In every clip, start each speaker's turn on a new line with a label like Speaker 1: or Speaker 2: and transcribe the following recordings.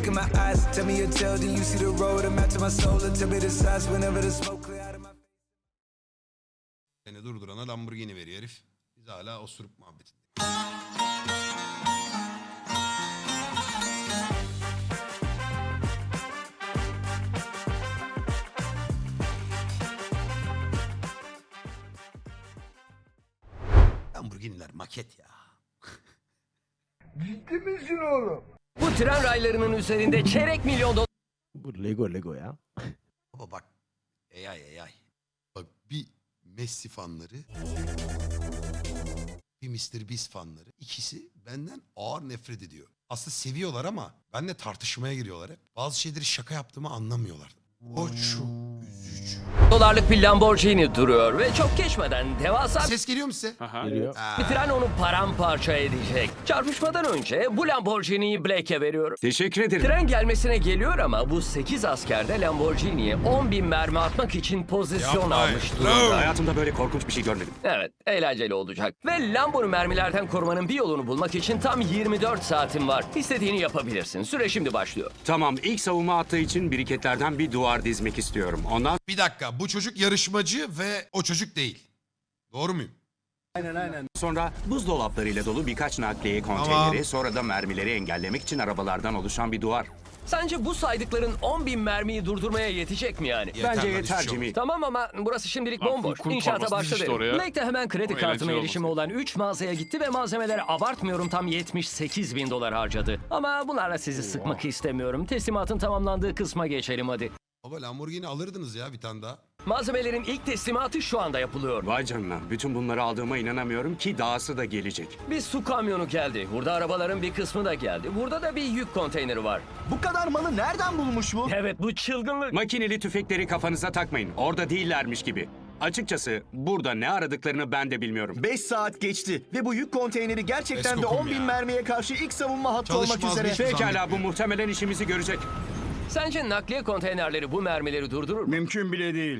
Speaker 1: look in my eyes, tell me your tale, then you see the road, I'm out to my soul, and tell me the size whenever the smoke clear out of my face.
Speaker 2: Seni durdurana Lamborghini veriyor herif. Biz hala osurup muhabbetinde. Lamborghini'ler maket ya.
Speaker 3: Ciddi misin oğlum?
Speaker 4: Bu tren raylarının üzerinde çeyrek milyon dolar
Speaker 5: Bu Lego ya.
Speaker 2: Baba bak. AI. Bak bir Messi fanları. Bir Mr. Beast fanları. İkisi benden ağır nefret ediyor. Aslında seviyorlar ama benimle tartışmaya giriyorlar hep. Bazı şeyleri şaka yaptığımı anlamıyorlar. O çok üzücü.
Speaker 4: dolarlık bir Lamborghini duruyor ve çok geçmeden devasa
Speaker 2: Ses geliyor mu size?
Speaker 5: Geliyor.
Speaker 4: bir tren onu paramparça edecek. Çarpışmadan önce bu Lamborghini'yi Blake'e veriyorum.
Speaker 6: Teşekkür ederim.
Speaker 4: Tren gelmesine geliyor ama bu 8 asker de Lamborghini'ye 10.000 mermi atmak için pozisyon
Speaker 2: Yapmayın.
Speaker 4: almış durumda.
Speaker 6: Hayatımda böyle korkunç bir şey görmedim.
Speaker 4: Evet, eğlenceli olacak. Ve Lambo'nu mermilerden korumanın bir yolunu bulmak için tam 24 saatin var. İstediğini yapabilirsin. Süre şimdi başlıyor.
Speaker 6: Tamam, ilk savunma attığı için biriketlerden bir duvar dizmek istiyorum. Ondan
Speaker 2: Bir dakika, bu çocuk yarışmacı ve o çocuk değil. Doğru muyum?
Speaker 6: sonra buzdolaplarıyla dolu birkaç nakliye konteyneri,
Speaker 2: Tamam.
Speaker 6: sonra da mermileri engellemek için arabalardan oluşan bir duvar.
Speaker 4: Sence bu saydıkların 10.000 mermiyi durdurmaya yetecek mi yani?
Speaker 2: Yeter
Speaker 6: Bence
Speaker 2: lan,
Speaker 6: yeter
Speaker 2: hiçbir şey
Speaker 6: Jimmy.
Speaker 4: Tamam ama burası şimdilik
Speaker 7: Lan
Speaker 4: bomboş.
Speaker 7: Fulkun
Speaker 4: İnşaata
Speaker 7: torbası dizişti
Speaker 4: başladı.
Speaker 7: oraya.
Speaker 4: Blake de hemen kredi
Speaker 7: O
Speaker 4: kartına
Speaker 7: eğlenceli
Speaker 4: erişimi
Speaker 7: olması.
Speaker 4: olan 3 mağazaya gitti ve malzemelere abartmıyorum tam 78.000 dolar harcadı. Ama bunlarla sizi sıkmak istemiyorum. Teslimatın tamamlandığı kısma geçelim hadi.
Speaker 2: Baba Lamborghini alırdınız ya bir tane daha.
Speaker 4: Malzemelerin ilk teslimatı şu anda yapılıyor.
Speaker 6: Vay canına, bütün bunları aldığıma inanamıyorum ki dahası da gelecek.
Speaker 4: Bir su kamyonu geldi. Burada arabaların bir kısmı da geldi. Burada da bir yük konteyneri var.
Speaker 3: Bu kadar malı nereden bulmuş bu?
Speaker 4: Evet bu çılgınlık.
Speaker 6: Makineli tüfekleri kafanıza takmayın, orada değillermiş gibi. Açıkçası burada ne aradıklarını ben de bilmiyorum.
Speaker 3: 5 saat geçti ve bu yük konteyneri gerçekten de
Speaker 2: Eskokum
Speaker 3: 10.000
Speaker 2: ya.
Speaker 3: mermiye karşı ilk savunma hattı olmak
Speaker 2: Çalışmaz
Speaker 3: üzere.
Speaker 2: bir şey.
Speaker 6: Pekala, bu muhtemelen işimizi görecek.
Speaker 4: Sence nakliye konteynerleri bu mermileri durdurur mu?
Speaker 8: Mümkün bile değil.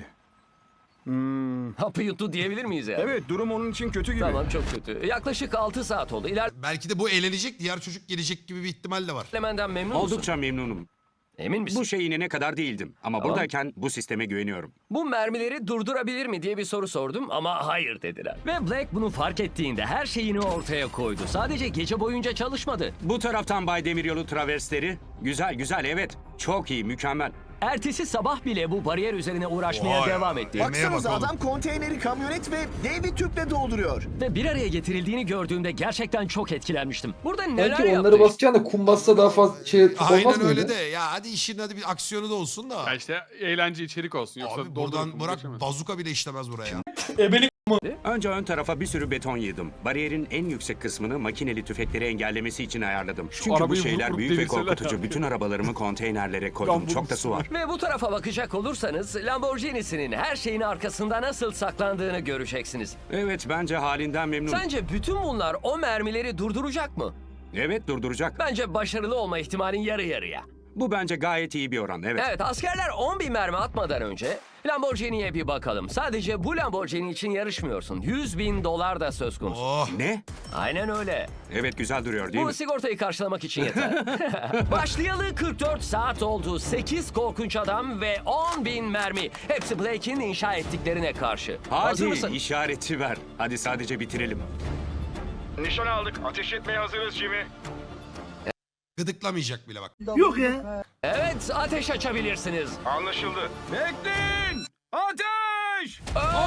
Speaker 4: Hapı yuttu diyebilir miyiz yani?
Speaker 8: Evet, durum onun için kötü gibi.
Speaker 4: Tamam çok kötü. Yaklaşık 6 saat oldu.
Speaker 2: Belki de bu eğlenecek, diğer çocuk gelecek gibi bir ihtimal de var.
Speaker 4: İlerlemenden memnun musun?
Speaker 6: Oldukça memnunum.
Speaker 4: Emin misin?
Speaker 6: Bu şeye inene kadar değildim ama buradayken bu sisteme güveniyorum.
Speaker 4: Bu mermileri durdurabilir mi diye bir soru sordum ama hayır dediler. Ve Black bunu fark ettiğinde her şeyini ortaya koydu. Sadece gece boyunca çalışmadı.
Speaker 6: Bu taraftan Bay Demiryolu traversleri. Güzel evet. Çok iyi, mükemmel.
Speaker 4: Ertesi sabah bile bu bariyer üzerine uğraşmaya
Speaker 2: Vay.
Speaker 4: devam etti.
Speaker 2: Bak-
Speaker 3: Baksanıza
Speaker 2: bakalım.
Speaker 3: adam konteyneri kamyonet ve dev bir tüple dolduruyor.
Speaker 4: Ve bir araya getirildiğini gördüğümde gerçekten çok etkilenmiştim. Burada neler
Speaker 9: Belki
Speaker 4: yaptı?
Speaker 9: onları basacaksın da kum bassa daha fazla şey olmaz
Speaker 2: Aynen
Speaker 9: mıydı?
Speaker 2: öyle de. Ya hadi işin hadi bir aksiyonu da olsun da.
Speaker 7: Ya işte eğlence içerik olsun. Yoksa
Speaker 2: Abi
Speaker 7: doldurup
Speaker 2: buradan bırak
Speaker 7: geçemez.
Speaker 2: bazuka bile işlemez buraya.
Speaker 6: Önce ön tarafa bir sürü beton yığdım. Bariyerin en yüksek kısmını makineli tüfekleri engellemesi için ayarladım. Çünkü bu
Speaker 7: arabayı
Speaker 6: şeyler
Speaker 7: vurup
Speaker 6: büyük ve
Speaker 7: devirseler
Speaker 6: korkutucu.
Speaker 7: ya.
Speaker 6: Bütün arabalarımı konteynerlere koydum. Çok da su var.
Speaker 4: Ve bu tarafa bakacak olursanız Lamborghini'sinin her şeyin arkasında nasıl saklandığını göreceksiniz.
Speaker 6: Evet, bence halinden memnunum.
Speaker 4: Sence bütün bunlar o mermileri durduracak mı?
Speaker 6: Evet, durduracak.
Speaker 4: Bence başarılı olma ihtimalin yarı yarıya.
Speaker 6: Bu bence gayet iyi bir oran. Evet.
Speaker 4: Evet, askerler 10.000 mermi atmadan önce Lamborghini'ye bir bakalım. Sadece bu Lamborghini için yarışmıyorsun. 100.000 dolar da söz konusu.
Speaker 2: Oh.
Speaker 6: Ne?
Speaker 4: Aynen öyle.
Speaker 6: Evet, güzel duruyor değil
Speaker 4: Bu
Speaker 6: mi?
Speaker 4: sigortayı karşılamak için yeter. Başlayalı 44 saat oldu. 8 korkunç adam ve 10.000 mermi. Hepsi Blake'in inşa ettiklerine karşı. Hazır
Speaker 6: Hadi
Speaker 4: mısın?
Speaker 6: işareti ver. Hadi sadece bitirelim.
Speaker 8: Nişan aldık. Ateş etmeye hazırız Jimmy.
Speaker 2: Gıdıklamayacak bile bak.
Speaker 4: Evet, ateş açabilirsiniz.
Speaker 8: Anlaşıldı. Bekleyin! Ateş!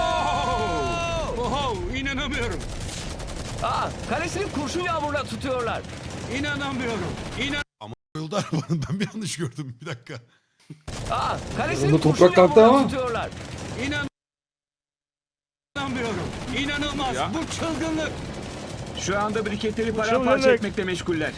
Speaker 6: Oho, inanamıyorum.
Speaker 4: Kalesini kurşun yağmuruna tutuyorlar.
Speaker 6: İnanamıyorum.
Speaker 2: Yolda arabanın ben bir yanlış gördüm. Bir dakika.
Speaker 4: Kalesini
Speaker 9: Onda
Speaker 4: kurşun
Speaker 9: toprak kalktı
Speaker 4: yağmuruna
Speaker 9: ama.
Speaker 4: tutuyorlar.
Speaker 6: İnanamıyorum. İnanılmaz.
Speaker 7: Ya.
Speaker 6: Bu çılgınlık.
Speaker 8: Şu anda briketleri paramparça etmekle meşguller.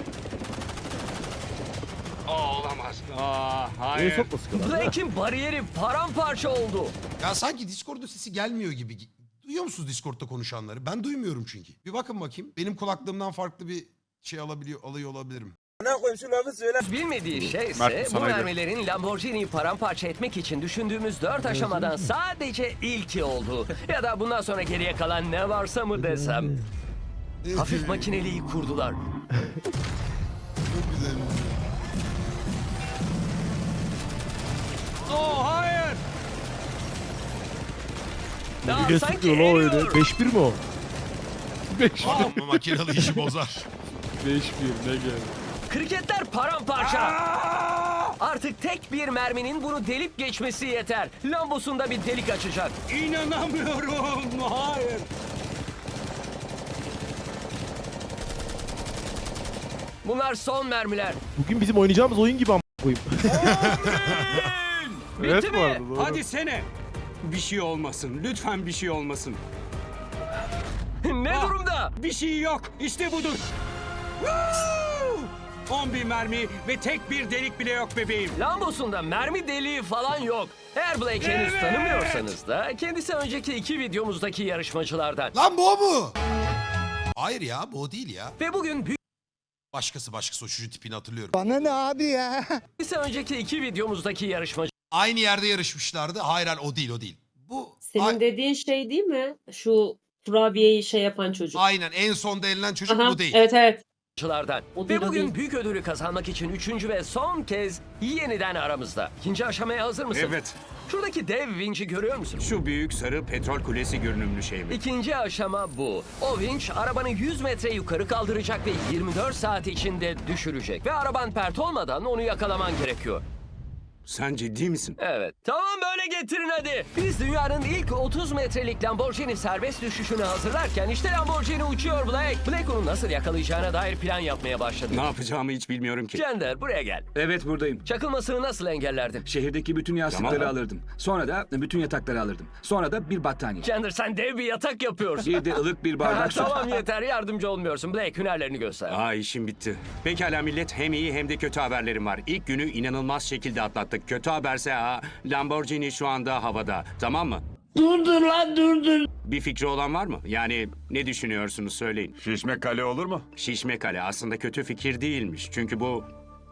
Speaker 6: Olamaz. Hayır.
Speaker 5: Niye sokma sıkılan?
Speaker 4: Blake'in bariyeri paramparça oldu.
Speaker 2: Ya sanki Discord'da sesi gelmiyor gibi. Duyuyor musunuz Discord'da konuşanları? Ben duymuyorum çünkü. Bir bakın bakayım. Benim kulaklığımdan farklı bir şey alıyor olabilirim.
Speaker 4: Bilmediği şey
Speaker 7: Mert,
Speaker 4: ise bu
Speaker 7: sana göre.
Speaker 4: mermilerin Lamborghini'yi paramparça etmek için düşündüğümüz 4 aşamadan sadece ilki oldu. Ya da bundan sonra geriye kalan ne varsa mı desem. Hafif makineliği kurdular.
Speaker 2: Çok güzel.
Speaker 6: Oh hayır.
Speaker 4: Ya, sanki eriyor.
Speaker 5: 5-1 mi o?
Speaker 7: 5
Speaker 2: Adam makinalı işi bozar.
Speaker 7: 5-1 ne geldi.
Speaker 4: Kriketler paramparça. Artık tek bir merminin bunu delip geçmesi yeter. Lambosunda bir delik açacak.
Speaker 6: İnanamıyorum. Hayır.
Speaker 4: Bunlar son mermiler.
Speaker 5: Bugün bizim oynayacağımız oyun gibi ama koyayım.
Speaker 7: Evet
Speaker 4: Bitti
Speaker 7: bu
Speaker 4: mi?
Speaker 7: arada doğru.
Speaker 6: Hadi sene. Bir şey olmasın. Lütfen bir şey olmasın.
Speaker 4: Ne
Speaker 6: Ah,
Speaker 4: durumda?
Speaker 6: Bir şey yok. İşte budur. Woo! 11 mermi ve tek bir delik bile yok bebeğim.
Speaker 4: Lambosunda mermi deliği falan yok. Eğer Blake henüz
Speaker 6: Evet.
Speaker 4: tanımıyorsanız da kendisi önceki 2 videomuzdaki yarışmacılardan.
Speaker 2: Lan bu o mu? Hayır ya bu o değil ya.
Speaker 4: Ve bugün
Speaker 2: Başkası o çocuğun tipini hatırlıyorum.
Speaker 4: kendisi önceki 2 videomuzdaki yarışmacı.
Speaker 2: Aynı yerde yarışmışlardı. Hayır o değil. Bu
Speaker 10: Senin dediğin şey değil mi? Şu kurabiyeyi şey yapan çocuk.
Speaker 2: aynen en sonda elenen çocuk
Speaker 10: Aha,
Speaker 2: bu değil.
Speaker 10: evet evet.
Speaker 4: Ve
Speaker 10: O değil, o
Speaker 4: bugün
Speaker 10: değil.
Speaker 4: büyük ödülü kazanmak için 3. ve son kez yeniden aramızda. İkinci aşamaya hazır mısın?
Speaker 6: Evet.
Speaker 4: Şuradaki dev vinci görüyor musun?
Speaker 6: Şu büyük sarı petrol kulesi görünümlü şey mi?
Speaker 4: İkinci aşama bu. O vinç arabanı 100 metre yukarı kaldıracak ve 24 saat içinde düşürecek. Ve araban pert olmadan onu yakalaman gerekiyor.
Speaker 6: Sen ciddi misin?
Speaker 4: Evet. Tamam böyle getirin hadi. Biz dünyanın ilk 30 metrelik Lamborghini serbest düşüşünü hazırlarken işte Lamborghini uçuyor Blake. Blake onu nasıl yakalayacağına dair plan yapmaya başladı.
Speaker 6: Ne yapacağımı hiç bilmiyorum ki.
Speaker 4: Cender buraya gel.
Speaker 8: Evet buradayım.
Speaker 4: Çakılmasını nasıl engellerdin?
Speaker 8: Şehirdeki bütün yastıkları
Speaker 6: Tamam.
Speaker 8: alırdım. Sonra da bütün yatakları alırdım. Sonra da bir battaniye.
Speaker 4: Cender sen dev bir yatak yapıyorsun.
Speaker 8: Bir de ılık bir bardak su.
Speaker 4: Tamam yeter yardımcı olmuyorsun. Blake hünerlerini göster.
Speaker 6: Aa işim bitti. Pekala millet hem iyi hem de kötü haberlerim var. İlk günü inanılmaz şekilde atlattık. Kötü haberse Lamborghini şu anda havada. Tamam mı?
Speaker 11: Durdur lan durdur.
Speaker 6: Bir fikri olan var mı? Yani ne düşünüyorsunuz söyleyin.
Speaker 12: Şişme kale olur mu?
Speaker 6: Şişme kale aslında kötü fikir değilmiş. Çünkü bu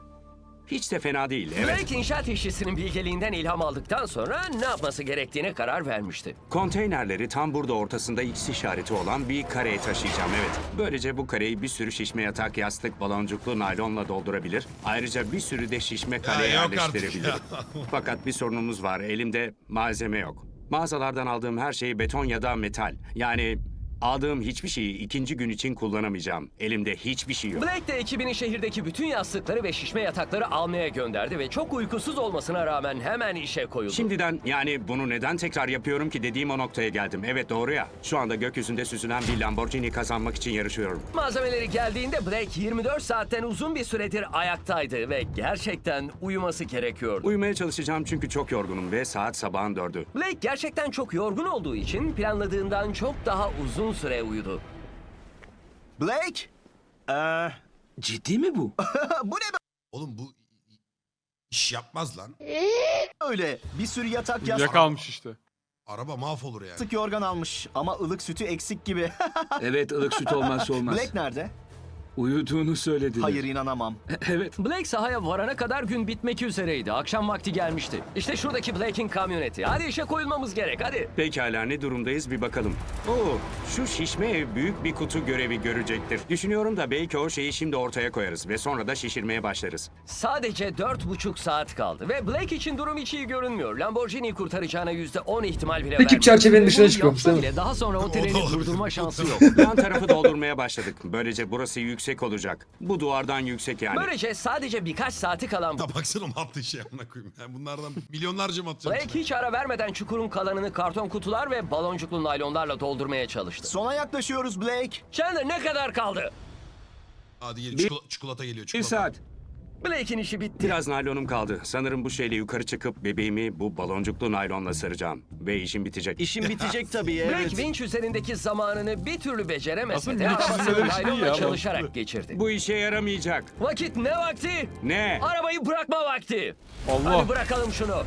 Speaker 6: hiç de fena değil. Evet.
Speaker 4: Blake inşaat işçisinin bilgeliğinden ilham aldıktan sonra ne yapması gerektiğine karar vermişti.
Speaker 6: Konteynerleri tam burada ortasında X işareti olan bir kareye taşıyacağım evet. Böylece bu kareyi bir sürü şişme yatak, yastık, baloncuklu naylonla doldurabilir. Ayrıca bir sürü de şişme kale
Speaker 2: yok artık
Speaker 6: yerleştirebilirim. Fakat bir sorunumuz var. Elimde malzeme yok. Mağazalardan aldığım her şey beton ya da metal. Yani aldığım hiçbir şeyi ikinci gün için kullanamayacağım. Elimde hiçbir şey yok.
Speaker 4: Blake de ekibini şehirdeki bütün yastıkları ve şişme yatakları almaya gönderdi ve çok uykusuz olmasına rağmen hemen işe koyuldu.
Speaker 6: Şimdiden yani bunu neden tekrar yapıyorum ki dediğim o noktaya geldim. Evet doğru ya. Şu anda gökyüzünde süzülen bir Lamborghini kazanmak için yarışıyorum.
Speaker 4: Malzemeleri geldiğinde Blake 24 saatten uzun bir süredir ayaktaydı ve gerçekten uyuması gerekiyordu.
Speaker 6: Uyumaya çalışacağım çünkü çok yorgunum ve saat sabahın 4'ü.
Speaker 4: Blake gerçekten çok yorgun olduğu için planladığından çok daha uzun süre uyudu.
Speaker 3: Blake?
Speaker 8: Ciddi mi bu?
Speaker 3: Bu ne
Speaker 2: Oğlum bu iş yapmaz lan.
Speaker 3: böyle? Bir sürü yatak
Speaker 7: Yakalmış işte.
Speaker 2: Araba mahvolur yani.
Speaker 3: yastık yorgan almış ama ılık sütü eksik gibi.
Speaker 8: Evet ılık süt olmazsa olmaz.
Speaker 3: Blake nerede?
Speaker 8: Uyuduğunu söylediler.
Speaker 3: Hayır inanamam.
Speaker 8: Evet.
Speaker 4: Blake sahaya varana kadar gün bitmek üzereydi. Akşam vakti gelmişti. İşte şuradaki Blake'in kamyoneti. Hadi işe koyulmamız gerek hadi.
Speaker 6: Pekala ne durumdayız bir bakalım. Oo, şu şişme ev büyük bir kutu görevi görecektir. Düşünüyorum da belki o şeyi şimdi ortaya koyarız ve sonra da şişirmeye başlarız.
Speaker 4: Sadece 4,5 saat kaldı ve Blake için durum hiç iyi görünmüyor. Lamborghini'yi kurtaracağına %10 ihtimal bile vermiyor.
Speaker 9: çerçevenin dışına
Speaker 4: Bunu
Speaker 9: çıkıyormuş,
Speaker 4: yapsa
Speaker 9: değil mi?
Speaker 4: bile daha sonra o
Speaker 2: da
Speaker 4: treni
Speaker 2: olabilir.
Speaker 4: durdurma şansı yok.
Speaker 6: Yan tarafı doldurmaya başladık. Böylece burası yüksek olacak. Bu duvardan yüksek yani.
Speaker 4: Böylece sadece birkaç saati kalan
Speaker 2: Ya baksana mı attığı şey amına koyayım. Yani bunlardan milyonlarca mı atacağım?
Speaker 4: Blake hiç ara vermeden çukurun kalanını karton kutular ve baloncuklu naylonlarla doldurmaya çalıştı.
Speaker 3: Sona yaklaşıyoruz Blake.
Speaker 4: Chandler ne kadar kaldı?
Speaker 2: Hadi gel çikolata geliyor
Speaker 8: Bir
Speaker 2: çikolata.
Speaker 8: saat.
Speaker 4: Blake'in işi bitti.
Speaker 6: Biraz naylonum kaldı. Sanırım bu şeyle yukarı çıkıp bebeğimi bu baloncuklu naylonla saracağım. Ve işim bitecek.
Speaker 3: İşin bitecek tabii
Speaker 4: Blake vinç üzerindeki zamanını bir türlü beceremese
Speaker 7: Aslında
Speaker 4: de
Speaker 7: vinç
Speaker 4: arabasını
Speaker 7: üzerinde bir şey değil
Speaker 4: naylonla
Speaker 7: ya,
Speaker 4: çalışarak
Speaker 7: mantıklı.
Speaker 4: geçirdi.
Speaker 6: Bu işe yaramayacak.
Speaker 4: Vakit ne vakti?
Speaker 6: Ne?
Speaker 4: Arabayı bırakma vakti.
Speaker 7: Allah.
Speaker 4: Hadi bırakalım şunu.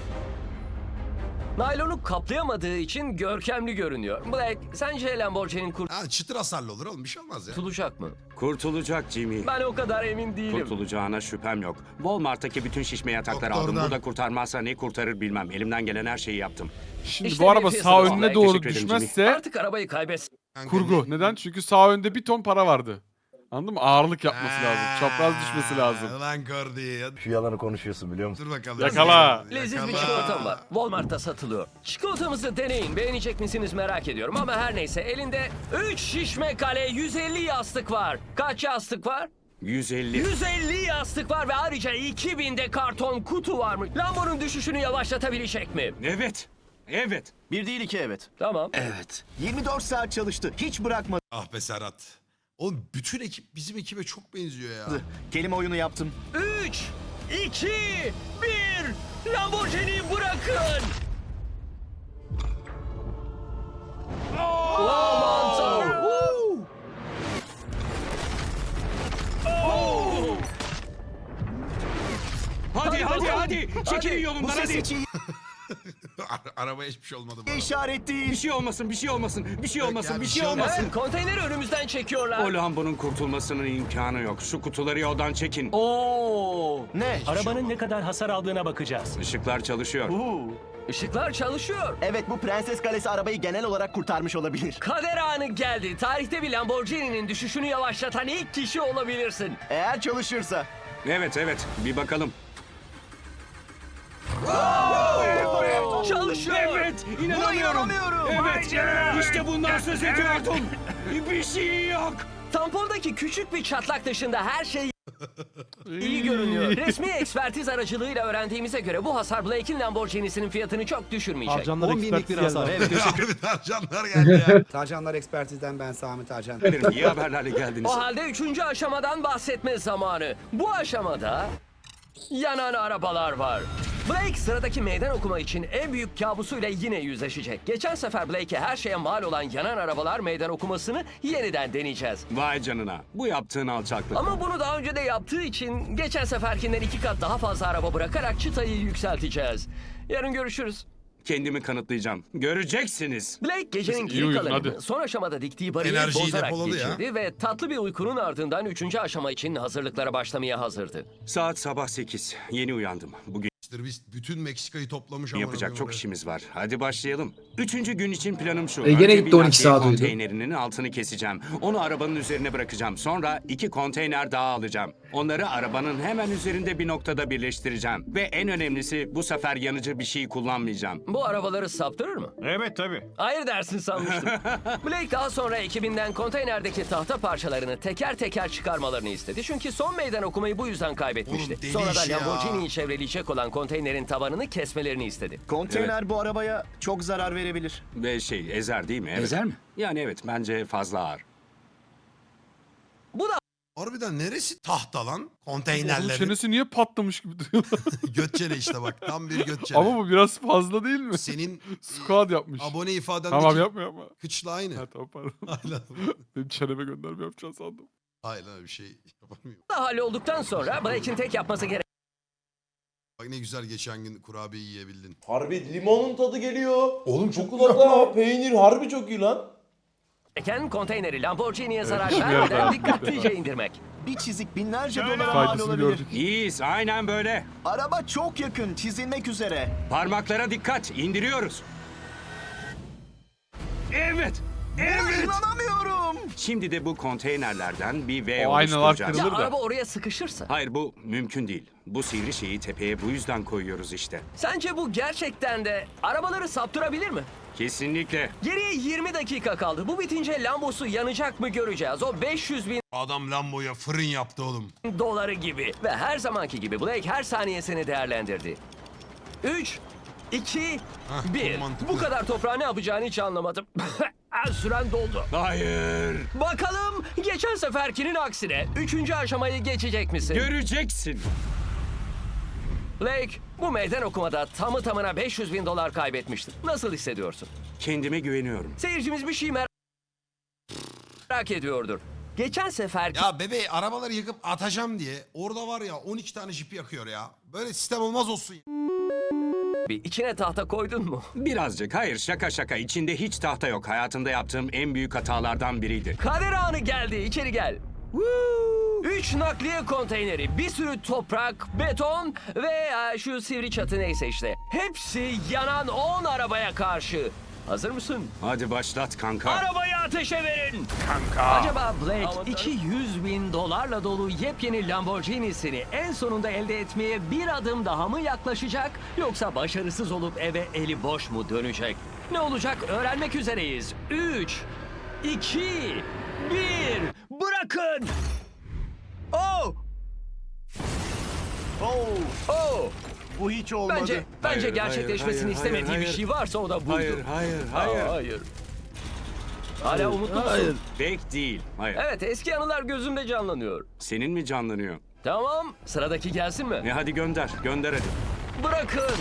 Speaker 4: Naylonu kaplayamadığı için görkemli görünüyor. Blake, sence Lamborghini'nin
Speaker 2: Ha çıtır hasarlı olur oğlum bir şey olmaz ya.
Speaker 4: kurtulacak mı?
Speaker 6: Kurtulacak Jimmy.
Speaker 4: Ben o kadar emin değilim.
Speaker 6: Kurtulacağına şüphem yok. Walmart'taki bütün şişme yatakları aldım.
Speaker 2: Doktordan.
Speaker 6: Bu da kurtarmazsa ne kurtarır bilmem. Elimden gelen her şeyi yaptım.
Speaker 7: Şimdi
Speaker 4: İşte
Speaker 7: bu araba
Speaker 4: bir
Speaker 7: sağ
Speaker 4: fiyatı
Speaker 7: önüne
Speaker 6: var.
Speaker 7: doğru
Speaker 6: Teşekkür ederim
Speaker 7: düşmezse
Speaker 4: Artık arabayı kaybetsin.
Speaker 2: Kanka,
Speaker 7: kurgu. Neden? Çünkü sağ önde bir ton para vardı. Anladın mı? Ağırlık yapması lazım. Çapraz düşmesi lazım.
Speaker 2: Lan Gordy.
Speaker 3: Şu yalanı konuşuyorsun biliyor musun?
Speaker 2: Dur bakalım.
Speaker 7: Yakala.
Speaker 4: Leziz bir çikolatam var. Walmart'ta satılıyor. Çikolatamızı deneyin. Beğenecek misiniz merak ediyorum. Ama her neyse elinde 3 şişme kale 150 yastık var. Kaç yastık var?
Speaker 6: 150.
Speaker 4: 150 yastık var ve ayrıca 2000 de karton kutu var mı? Lambo'nun düşüşünü yavaşlatabilecek mi?
Speaker 6: Evet. Evet.
Speaker 3: Bir değil iki evet.
Speaker 4: Tamam.
Speaker 6: Evet.
Speaker 3: 24 saat çalıştı. Hiç bırakmadı.
Speaker 2: Ah be Serhat. Oğlum bütün ekip bizim ekibe çok benziyor ya.
Speaker 3: Kelime oyunu yaptım.
Speaker 4: 3, 2, 1. Lamborghini'yi bırakın. Aman tanrım.
Speaker 6: Hadi. Çekilin
Speaker 3: Bu
Speaker 6: yolumdan
Speaker 3: ses
Speaker 6: hadi.
Speaker 3: hiç iyi
Speaker 2: Arabaya hiçbir şey olmadı bu arada.
Speaker 3: işaret değil.
Speaker 6: Bir şey olmasın. Bir şey olmasın.
Speaker 2: bir şey
Speaker 6: olmasın.
Speaker 4: Evet, konteyneri önümüzden çekiyorlar.
Speaker 6: O Lambo'nun kurtulmasının imkanı yok. Şu kutuları yoldan çekin.
Speaker 4: Oo.
Speaker 3: Ne?
Speaker 4: Arabanın ne kadar hasar aldığına bakacağız.
Speaker 6: Işıklar çalışıyor.
Speaker 4: Işıklar çalışıyor.
Speaker 3: Evet bu Prenses Kalesi arabayı genel olarak kurtarmış olabilir.
Speaker 4: Kader anı geldi. Tarihte bir Lamborghini'nin düşüşünü yavaşlatan ilk kişi olabilirsin.
Speaker 3: Eğer çalışırsa.
Speaker 6: Evet. Bir bakalım.
Speaker 4: Çalışıyor.
Speaker 6: Evet. İnanamıyorum. Evet. İşte bundan söz ediyordum. Bir şey yok.
Speaker 4: Tampondaki küçük bir çatlak dışında her şey iyi görünüyor. Resmi ekspertiz aracılığıyla öğrendiğimize göre bu hasar Blake'in Lamborghini'sinin fiyatını çok düşürmeyecek.
Speaker 5: Harcanlar ekspertiz geldi.
Speaker 2: Harbiden canlar geldi ya.
Speaker 9: Tarcanlar Ekspertiz'den ben Sami Tarcan.
Speaker 6: İyi haberlerle geldiniz.
Speaker 4: O halde 3. aşamadan bahsetme zamanı. Bu aşamada yanan arabalar var. Blake sıradaki meydan okuma için en büyük kabusuyla yine yüzleşecek. Geçen sefer Blake'e her şeye mal olan yanan arabalar meydan okumasını yeniden deneyeceğiz.
Speaker 6: Vay canına. Bu yaptığın alçaklık.
Speaker 4: Ama bunu daha önce de yaptığı için geçen seferkinden 2 kat daha fazla araba bırakarak çıtayı yükselteceğiz. Yarın görüşürüz.
Speaker 6: Kendimi kanıtlayacağım. Göreceksiniz.
Speaker 4: Blake gecenin
Speaker 7: İyi
Speaker 4: geri
Speaker 7: uyudun,
Speaker 4: kalanını
Speaker 7: hadi.
Speaker 4: son aşamada diktiği bariyeri
Speaker 2: Enerjiyi
Speaker 4: bozarak
Speaker 2: depoladı ya.
Speaker 4: geçirdi ve tatlı bir uykunun ardından 3. aşama için hazırlıklara başlamaya hazırdı.
Speaker 6: Saat sabah 8. Yeni uyandım. Bugün
Speaker 2: İşte biz bütün Meksika'yı toplamış ama.
Speaker 6: yapacak çok işimiz var. Hadi başlayalım. 3. gün için planım şu.
Speaker 9: gene
Speaker 6: Önce
Speaker 9: gitti
Speaker 6: bir
Speaker 9: 12
Speaker 6: nakliye
Speaker 9: saat uyudu.
Speaker 6: konteynerinin altını keseceğim. Onu arabanın üzerine bırakacağım. Sonra 2 konteyner daha alacağım. Onları arabanın hemen üzerinde bir noktada birleştireceğim. Ve en önemlisi bu sefer yanıcı bir şey kullanmayacağım.
Speaker 4: Bu arabaları saptırır mı?
Speaker 6: Evet tabii.
Speaker 4: Hayır dersin sanmıştım. Blake daha sonra ekibinden konteynerdeki tahta parçalarını teker teker çıkarmalarını istedi. Çünkü son meydan okumayı bu yüzden kaybetmişti.
Speaker 2: Oğlum deli
Speaker 4: Sonra da
Speaker 2: iş ya.
Speaker 4: Lamborghini'yi çevreleyecek olan konteynerin tabanını kesmelerini istedi.
Speaker 3: Konteyner bu arabaya çok zarar verebilir.
Speaker 6: Ve ezer değil mi? Evet.
Speaker 8: Ezer mi?
Speaker 6: Yani evet bence fazla ağır.
Speaker 4: Bu da
Speaker 2: Harbiden neresi tahta lan?
Speaker 7: Onun
Speaker 2: Konteynerlerin.
Speaker 7: çenesi niye patlamış gibi duruyor?
Speaker 2: Götçene işte bak. Tam bir götçene.
Speaker 7: Ama bu biraz fazla değil mi?
Speaker 2: Senin
Speaker 7: Squad yapmış.
Speaker 2: abone ifadendeki
Speaker 7: Tamam yapma.
Speaker 2: kıçla aynı.
Speaker 7: Ha tamam pardon.
Speaker 2: Aynen.
Speaker 7: Benim çeneme gönderme yapacağını sandım.
Speaker 2: Hayır lan bir şey yapamıyorum.
Speaker 4: hallolduktan sonra Blake'in tek yapması
Speaker 2: Bak ne güzel geçen gün kurabiye yiyebildin.
Speaker 5: Harbi limonun tadı geliyor. Oğlum çikolata, peynir harbi çok iyi lan.
Speaker 4: gereken konteyneri Lamborghini'ye zarar
Speaker 7: şimdi
Speaker 4: vermeden
Speaker 7: yapalım.
Speaker 4: dikkatlice indirmek.
Speaker 3: Bir çizik binlerce dolara mal
Speaker 7: Faydasını
Speaker 3: olabilir.
Speaker 7: gördük.
Speaker 6: İyiyiz aynen böyle.
Speaker 3: Araba çok yakın çizilmek üzere.
Speaker 6: Parmaklara dikkat. İndiriyoruz. Evet. Evet.
Speaker 3: İnanamıyorum.
Speaker 6: Şimdi de bu konteynerlerden bir V
Speaker 7: O aynalar
Speaker 6: oluşturacağız.
Speaker 4: Ya
Speaker 7: kırılır da.
Speaker 4: araba oraya sıkışırsa?
Speaker 6: Hayır bu mümkün değil. Bu sivri şeyi tepeye bu yüzden koyuyoruz işte.
Speaker 4: Sence bu gerçekten de arabaları saptırabilir mi?
Speaker 6: Kesinlikle.
Speaker 4: Geriye 20 dakika kaldı. Bu bitince Lambo'su yanacak mı göreceğiz. O 500 bin
Speaker 2: Adam Lambo'ya fırın yaptı oğlum.
Speaker 4: doları gibi. Ve her zamanki gibi Blake her saniyesini değerlendirdi. 3, 2, 1.
Speaker 2: mantıklı.
Speaker 4: Bu kadar toprağı ne yapacağını hiç anlamadım. Süren doldu.
Speaker 6: Hayır.
Speaker 4: Bakalım geçen seferkinin aksine 3. aşamayı geçecek misin?
Speaker 6: Göreceksin.
Speaker 4: Blake bu meydan okumada tamı tamına 500 bin dolar kaybetmiştir. Nasıl hissediyorsun?
Speaker 6: Kendime güveniyorum.
Speaker 4: Seyircimiz bir şey merak ediyordur. Geçen seferki
Speaker 2: Ya bebeği arabaları yakıp atacağım diye orada var ya 12 tane jipi yakıyor ya. Böyle sistem olmaz olsun.
Speaker 4: içine tahta koydun mu?
Speaker 6: Birazcık. Hayır şaka. İçinde hiç tahta yok. Hayatımda yaptığım en büyük hatalardan biriydi.
Speaker 4: Kader anı geldi. İçeri gel. 3 nakliye konteyneri, bir sürü toprak, beton ve şu sivri çatı neyse işte. Hepsi yanan 10 arabaya karşı. Hazır mısın?
Speaker 6: Hadi başlat kanka.
Speaker 4: Arabaya ateşe verin. Acaba Blake $200.000 dolu yepyeni Lamborghini'sini en sonunda elde etmeye bir adım daha mı yaklaşacak? Yoksa başarısız olup eve eli boş mu dönecek? Ne olacak öğrenmek üzereyiz. 3, 2, 1, bırakın! Oh! Oh!
Speaker 3: Bu hiç olmadı.
Speaker 4: Bence
Speaker 6: Hayır,
Speaker 4: gerçekleşmesini
Speaker 6: hayır,
Speaker 4: istemediği
Speaker 6: hayır,
Speaker 4: bir şey varsa o da buydu.
Speaker 6: Hayır.
Speaker 4: Hala umutlu musun?
Speaker 6: Pek değil. Hayır.
Speaker 4: Evet, eski anılar gözümde canlanıyor.
Speaker 6: Senin mi canlanıyor?
Speaker 4: Tamam, sıradaki gelsin mi?
Speaker 6: Hadi gönder. Gönder hadi.
Speaker 4: Bırakın!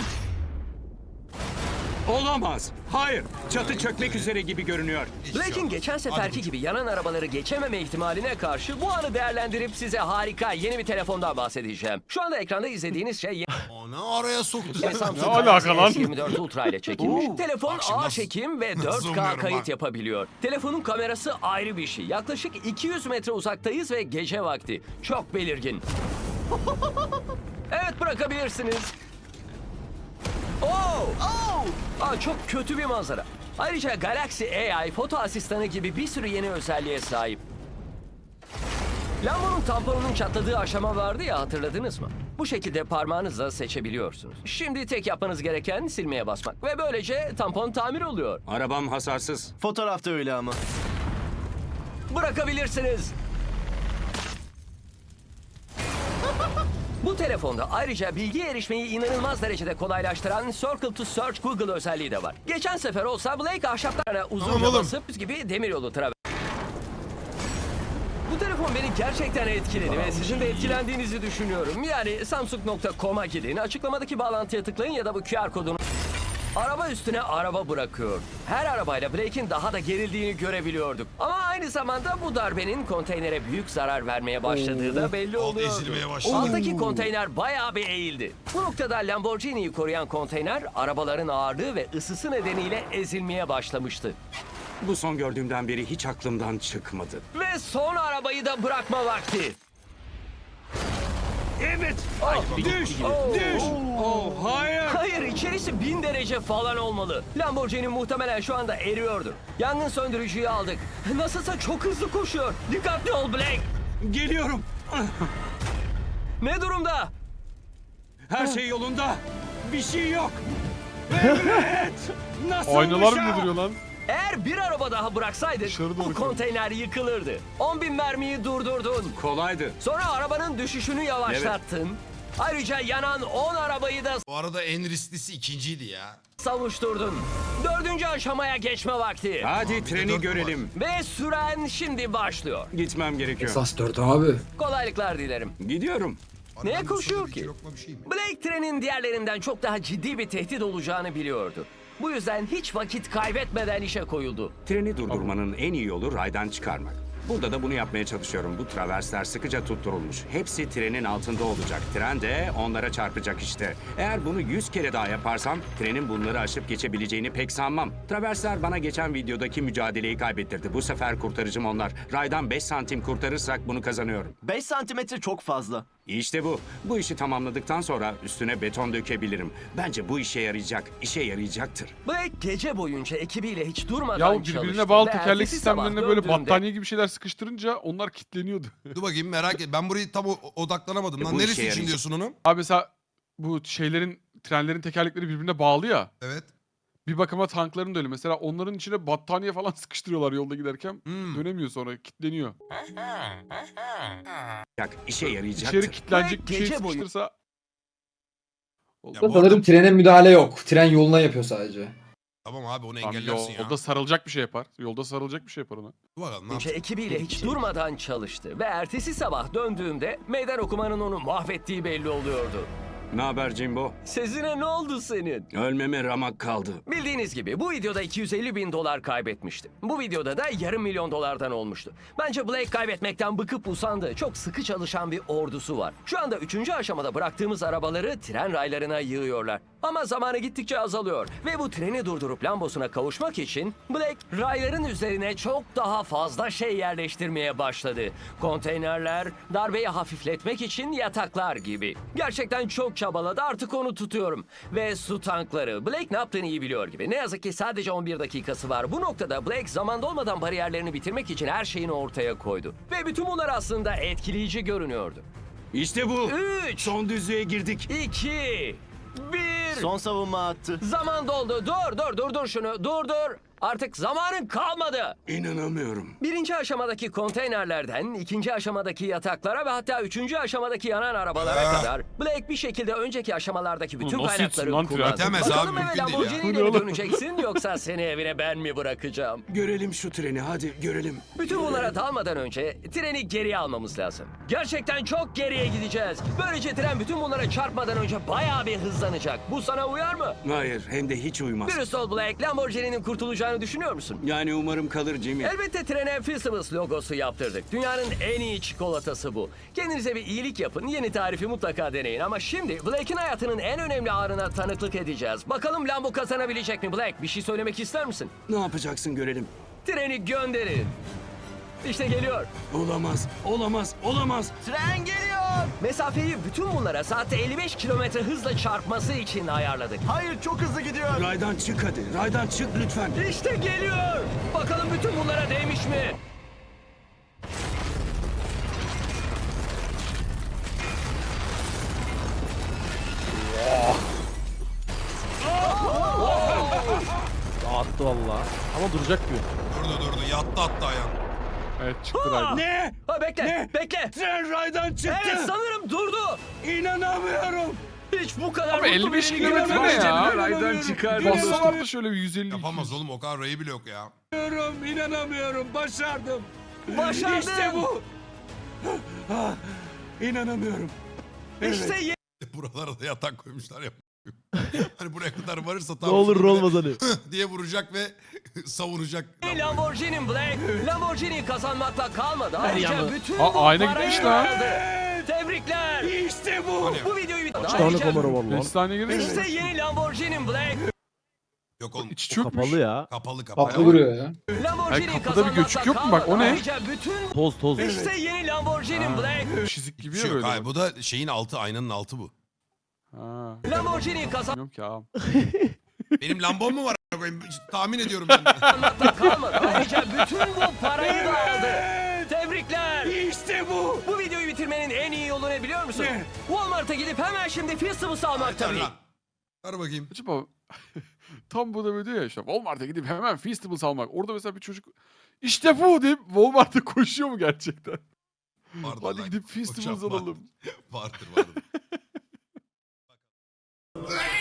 Speaker 6: Olamaz. Hayır. Çatı çökmek üzere gibi görünüyor.
Speaker 4: Blake'in geçen seferki gibi yanan arabaları geçememe ihtimaline karşı bu anı değerlendirip size harika yeni bir telefondan bahsedeceğim. Şu anda ekranda izlediğiniz şey
Speaker 2: Onu araya soktu.
Speaker 4: Samsung
Speaker 7: Ne alaka lan?
Speaker 4: S24 Ultra ile çekilmiş. Telefon
Speaker 2: Bak şimdi
Speaker 4: ağır
Speaker 2: nasıl-
Speaker 4: çekim ve
Speaker 2: nasıl
Speaker 4: 4K
Speaker 2: zoomluyorum
Speaker 4: kayıt
Speaker 2: bak.
Speaker 4: yapabiliyor. Telefonun kamerası ayrı bir şey. Yaklaşık 200 metre uzaktayız ve gece vakti. Çok belirgin. Evet, bırakabilirsiniz. Çok kötü bir manzara. Ayrıca Galaxy AI foto asistanı gibi bir sürü yeni özelliğe sahip. Lambo'nun tamponunun çatladığı aşama vardı ya, hatırladınız mı? Bu şekilde parmağınızla seçebiliyorsunuz. Şimdi tek yapmanız gereken silmeye basmak ve böylece tampon tamir oluyor.
Speaker 6: Arabam hasarsız.
Speaker 3: Fotoğrafta öyle ama.
Speaker 4: Bırakabilirsiniz. Bu telefonda ayrıca bilgiye erişmeyi inanılmaz derecede kolaylaştıran Circle to Search Google özelliği de var. Geçen sefer olsa Blake ahşaplarına uzunca
Speaker 2: Tamam oğlum.
Speaker 4: basıp gibi demiryolu traver. Bu telefon beni gerçekten etkiledi ve sizin de etkilendiğinizi düşünüyorum. Yani Samsung.com'a gidin, açıklamadaki bağlantıya tıklayın ya da bu QR kodunu... Araba üstüne araba bırakıyor. Her arabayla Blake'in daha da gerildiğini görebiliyorduk. Ama aynı zamanda bu darbenin konteynere büyük zarar vermeye başladığı da belli
Speaker 2: Alt
Speaker 4: oluyordu.
Speaker 2: ezilmeye başladı.
Speaker 4: Alttaki konteyner bayağı bir eğildi. Bu noktada Lamborghini'yi koruyan konteyner arabaların ağırlığı ve ısısı nedeniyle ezilmeye başlamıştı.
Speaker 6: Bu son gördüğümden beri hiç aklımdan çıkmadı.
Speaker 4: Ve son arabayı da bırakma vakti.
Speaker 6: Evet.
Speaker 4: Düş!
Speaker 6: Düş. Oh hayır.
Speaker 4: Hayır, içerisi 1000 derece falan olmalı. Lamborghini muhtemelen şu anda eriyordur. Yangın söndürücüyü aldık. Nasılsa çok hızlı koşuyor. Dikkatli ol Blake.
Speaker 6: Geliyorum.
Speaker 4: Ne durumda?
Speaker 6: Her şey yolunda. Bir şey yok. Evet. Nasıl
Speaker 7: Aynalar bile duruyor lan.
Speaker 4: Eğer bir araba daha bıraksaydık
Speaker 7: Dışarı doğru
Speaker 4: bu konteyner yıkılırdı. 10.000 mermiyi durdurdun.
Speaker 6: Kolaydı.
Speaker 4: Sonra arabanın düşüşünü yavaşlattın. Ayrıca yanan 10 arabayı da
Speaker 2: Bu arada en risklisi ikinciydi ya.
Speaker 4: savuşturdun. 4. aşamaya geçme vakti.
Speaker 6: Hadi
Speaker 2: bir de
Speaker 6: treni
Speaker 2: dört
Speaker 6: görelim.
Speaker 4: Ve süren şimdi başlıyor.
Speaker 6: Gitmem gerekiyor.
Speaker 9: Esas 4 abi.
Speaker 4: Kolaylıklar dilerim.
Speaker 6: Gidiyorum.
Speaker 4: Neye
Speaker 2: Arabanın
Speaker 4: koşuyor
Speaker 2: sonunda
Speaker 4: ki?
Speaker 2: iki lokma bir şey mi?
Speaker 4: Blake trenin diğerlerinden çok daha ciddi bir tehdit olacağını biliyordu. Bu yüzden hiç vakit kaybetmeden işe koyuldu.
Speaker 6: Treni durdurmanın en iyi yolu raydan çıkarmak. Burada da bunu yapmaya çalışıyorum. Bu traversler sıkıca tutturulmuş. Hepsi trenin altında olacak. Tren de onlara çarpacak işte. Eğer bunu 100 kere daha yaparsam trenin bunları aşıp geçebileceğini pek sanmam. Traversler bana geçen videodaki mücadeleyi kaybettirdi. Bu sefer kurtarıcım onlar. Raydan 5 santim kurtarırsak bunu kazanıyorum.
Speaker 3: 5 santimetre çok fazla.
Speaker 6: İşte bu. Bu işi tamamladıktan sonra üstüne beton dökebilirim. Bence bu işe yarayacak. İşe yarayacaktır.
Speaker 4: Blake gece boyunca ekibiyle hiç durmadan
Speaker 7: Ya
Speaker 4: çalıştı.
Speaker 7: birbirine bağlı
Speaker 4: ve
Speaker 7: tekerlek
Speaker 4: ertesi sabah
Speaker 7: sistemlerine böyle
Speaker 4: döndüğünde
Speaker 7: battaniye gibi şeyler sıkıştırınca onlar kilitleniyordu.
Speaker 2: Dur bakayım merak et. Ben burayı tam odaklanamadım. Lan
Speaker 6: Bu işe
Speaker 2: neresi için
Speaker 6: yarayacak.
Speaker 2: diyorsun onu?
Speaker 7: Abi mesela bu trenlerin tekerlekleri birbirine bağlı ya.
Speaker 2: Evet.
Speaker 7: Bir bakıma tankların da öyle. Mesela onların içine battaniye falan sıkıştırıyorlar yolda giderken. Dönemiyor sonra, kilitleniyor.
Speaker 6: İşe yarayacaktır.
Speaker 7: İçeri kilitlenecek bir şey
Speaker 4: Gece boyu-
Speaker 7: sıkıştırsa...
Speaker 2: Ya bu
Speaker 9: Sanırım
Speaker 2: arada-
Speaker 9: trene müdahale yok. Tren yoluna yapıyor sadece.
Speaker 2: Tamam abi onu
Speaker 7: Tamam,
Speaker 2: engellersin ya.
Speaker 7: yolda sarılacak bir şey yapar. Yolda sarılacak bir şey yapar ona.
Speaker 2: Dur bakalım ne
Speaker 4: boyunca
Speaker 2: yapacak?
Speaker 4: ekibiyle hiç durmadan çalıştı. Ve ertesi sabah döndüğümde meydan okumanın onu mahvettiği belli oluyordu.
Speaker 6: Ne haber Jimbo?
Speaker 4: Sezine ne oldu senin?
Speaker 6: Ölmeme ramak kaldı.
Speaker 4: Bildiğiniz gibi bu videoda $250.000 kaybetmişti. Bu videoda da $500.000'dan olmuştu. Bence Blake kaybetmekten bıkıp usandı. Çok sıkı çalışan bir ordusu var. Şu anda 3. aşamada bıraktığımız arabaları tren raylarına yığıyorlar. Ama zamanı gittikçe azalıyor. Ve bu treni durdurup Lambos'una kavuşmak için Blake rayların üzerine çok daha fazla şey yerleştirmeye başladı. Konteynerler, darbeyi hafifletmek için yataklar gibi. Gerçekten çok çabaladı, artık onu tutuyorum. Ve su tankları. Blake ne yaptığını iyi biliyor gibi. Ne yazık ki sadece 11 dakikası var. Bu noktada Blake zamanda olmadan bariyerlerini bitirmek için her şeyini ortaya koydu. Ve bütün bunlar aslında etkileyici görünüyordu.
Speaker 6: İşte bu.
Speaker 4: 3,
Speaker 6: Son düzlüğe girdik.
Speaker 4: 2, 1.
Speaker 3: Son savunma attı.
Speaker 4: Zaman doldu. Dur şunu. Dur. Artık zamanın kalmadı.
Speaker 6: İnanamıyorum.
Speaker 4: Birinci aşamadaki konteynerlerden, ikinci aşamadaki yataklara ve hatta üçüncü aşamadaki yanan arabalara kadar Blake bir şekilde önceki aşamalardaki bütün
Speaker 7: Nasıl
Speaker 4: kaynakları
Speaker 7: yetsin lan tren?
Speaker 4: kullandı.
Speaker 2: Bitemez abi,
Speaker 4: Bakalım eve
Speaker 2: mümkün değil ya.
Speaker 4: Lamborghini ile mi döneceksin yoksa seni evine ben mi bırakacağım?
Speaker 6: Görelim şu treni, hadi görelim.
Speaker 4: Bütün bunlara dalmadan önce treni geriye almamız lazım. Gerçekten çok geriye gideceğiz. Böylece tren bütün bunlara çarpmadan önce bayağı bir hızlanacak. Bu sana uyar mı?
Speaker 6: Hayır, hem de hiç uymaz.
Speaker 4: Dürüst ol Blake, Lamborghini'nin kurtulacağını düşünüyor musun?
Speaker 6: Yani umarım kalır Jimmy.
Speaker 4: Elbette trene Fistables logosu yaptırdık. Dünyanın en iyi çikolatası bu. Kendinize bir iyilik yapın, yeni tarifi mutlaka deneyin. Ama şimdi Blake'in hayatının en önemli anına tanıklık edeceğiz. Bakalım Lambo kazanabilecek mi Blake? Bir şey söylemek ister misin?
Speaker 6: Ne yapacaksın görelim.
Speaker 4: Treni gönderin. İşte geliyor.
Speaker 6: Olamaz.
Speaker 3: Tren geliyor.
Speaker 4: Mesafeyi bütün bunlara saatte 55 kilometre hızla çarpması için ayarladık.
Speaker 3: Hayır, çok hızlı gidiyor.
Speaker 6: Raydan çık hadi. Raydan çık lütfen.
Speaker 4: İşte geliyor. Bakalım bütün bunlara değmiş mi?
Speaker 5: Attı valla. Ama duracak gibi.
Speaker 2: Durdu. Yattı hatta ayağım.
Speaker 7: Evet çıktı raydan.
Speaker 6: Ne?
Speaker 4: Ha, bekle.
Speaker 6: Ne?
Speaker 4: Bekle.
Speaker 6: Tren raydan çıktı.
Speaker 4: Evet, sanırım durdu.
Speaker 6: İnanamıyorum.
Speaker 4: Hiç bu kadar
Speaker 7: Abi
Speaker 4: mutlu
Speaker 7: 55
Speaker 4: birini
Speaker 7: kilometre ne
Speaker 4: görmedim.
Speaker 7: ya?
Speaker 8: Raydan çıkar.
Speaker 7: Bassalar da şöyle bir 150.
Speaker 2: Yapamaz oğlum, o kadar rayı bile yok ya.
Speaker 6: İnanamıyorum. Başardım.
Speaker 4: Başardın.
Speaker 6: İşte bu. Ah, İnanamıyorum. Evet.
Speaker 4: İşte
Speaker 2: Buralara da yatak koymuşlar ya. Hani buraya kadar varırsa
Speaker 5: Ne
Speaker 2: tam
Speaker 5: olur
Speaker 2: böyle
Speaker 5: olmaz hani.
Speaker 2: diye vuracak ve savunacak.
Speaker 4: Lamborghini Blake. Lamborghini kazanmakla kalmadı. Ayrıca bütün
Speaker 7: Aa,
Speaker 4: bu
Speaker 7: ayna
Speaker 4: parayı
Speaker 7: gitmiş lan.
Speaker 4: aldı. Tebrikler.
Speaker 6: İşte bu.
Speaker 2: Hani
Speaker 4: Bu videoyu bitirdi.
Speaker 5: Kaç tane kamera var lan?
Speaker 7: 5 saniye girdin mi?
Speaker 4: İşte yeni Lamborghini Blake.
Speaker 2: yok oğlum.
Speaker 7: İçi çökmüş.
Speaker 5: Kapalı ya.
Speaker 2: Kapalı.
Speaker 9: Tatlı duruyor ya.
Speaker 4: Lamborghini
Speaker 7: Ay, kapıda bir göçük
Speaker 4: kazanmakla
Speaker 7: yok mu? Bak, o
Speaker 4: kalmadı.
Speaker 7: ne?
Speaker 4: Ayrıca bütün
Speaker 5: Toz.
Speaker 4: İşte yeni Lamborghini Blake.
Speaker 7: Çizik gibi
Speaker 2: Bir
Speaker 7: ya
Speaker 2: şey yok.
Speaker 7: böyle.
Speaker 2: Hayır, bu da şeyin altı, aynanın altı bu.
Speaker 7: Ha.
Speaker 4: Lamborghini
Speaker 7: Bilmiyorum ki abi.
Speaker 2: Benim Lambom mu var? a**ayım? Tahmin ediyorum ben de.
Speaker 4: kazanmakla kalmadı. Ayrıca bütün bu parayı da aldı. Tebrikler.
Speaker 6: İşte bu.
Speaker 4: Bu videoyu bitirmenin en iyi yolu ne biliyor musun?
Speaker 6: Ne?
Speaker 4: Walmart'a gidip hemen şimdi Fistables almak tabii.
Speaker 2: Lan. Ver bakayım.
Speaker 7: Acaba tam bu da böyle diyor ya işte Walmart'a gidip hemen Feastables almak. Orada mesela bir çocuk işte bu deyip Walmart'a koşuyor mu gerçekten?
Speaker 2: Vardır
Speaker 7: Hadi
Speaker 2: lan.
Speaker 7: gidip Feastables
Speaker 2: Hocam,
Speaker 7: alalım.
Speaker 2: Vardır.